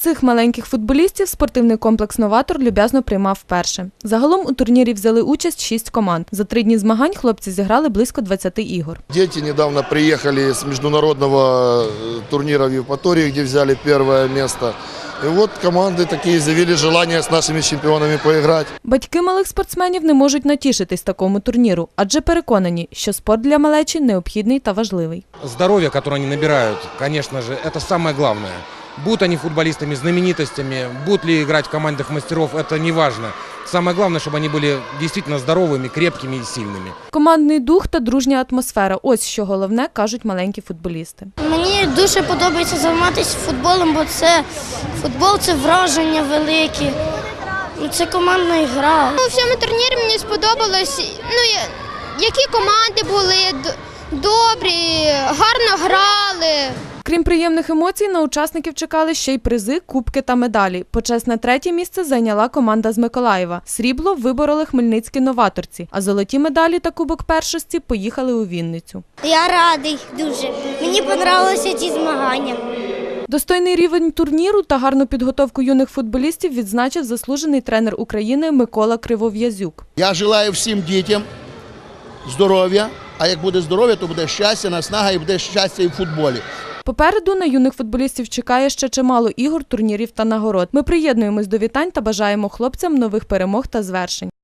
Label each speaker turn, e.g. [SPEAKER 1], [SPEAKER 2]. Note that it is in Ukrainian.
[SPEAKER 1] Цих маленьких футболістів спортивний комплекс «Новатор» люб'язно приймав вперше. Загалом у турнірі взяли участь 6 команд. За 3 дні змагань хлопці зіграли близько 20 ігор.
[SPEAKER 2] Дети недавно приехали с международного турнира в Евпатории, где взяли первое место. И вот команды такие заявили желание с нашими чемпионами поиграть.
[SPEAKER 1] Батьки малих спортсменів не можуть натішитись такому турніру, адже переконані, що спорт для малечі необхідний та важливий.
[SPEAKER 3] Здоровье, которое они набирают, конечно же, это самое главное. Будут они футболистами, знаменитостями, будут ли играть в командах мастеров, это не важно. Самое главное, чтобы они были действительно здоровыми, крепкими и сильными.
[SPEAKER 1] Командний дух та дружня атмосфера – ось що головне, кажуть маленькі футболісти.
[SPEAKER 4] Мені дуже подобається займатися футболом, бо футбол – це враження великі, це командна гра.
[SPEAKER 5] У всьому турнірі мені сподобалось, які команди були добрі, гарно грали.
[SPEAKER 1] Крім приємних емоцій, на учасників чекали ще й призи, кубки та медалі. Почесне 3-є місце зайняла команда з Миколаєва. Срібло вибороли хмельницькі новаторці, а золоті медалі та кубок першості поїхали у Вінницю.
[SPEAKER 4] Я радий дуже. Мені подобалися ці змагання.
[SPEAKER 1] Достойний рівень турніру та гарну підготовку юних футболістів відзначив заслужений тренер України Микола Кривов'язюк.
[SPEAKER 6] Я бажаю всім дітям здоров'я, а як буде здоров'я, то буде щастя, наснага і буде щастя і в футболі.
[SPEAKER 1] Попереду на юних футболістів чекає ще чимало ігор, турнірів та нагород. Ми приєднуємось до вітань та бажаємо хлопцям нових перемог та звершень.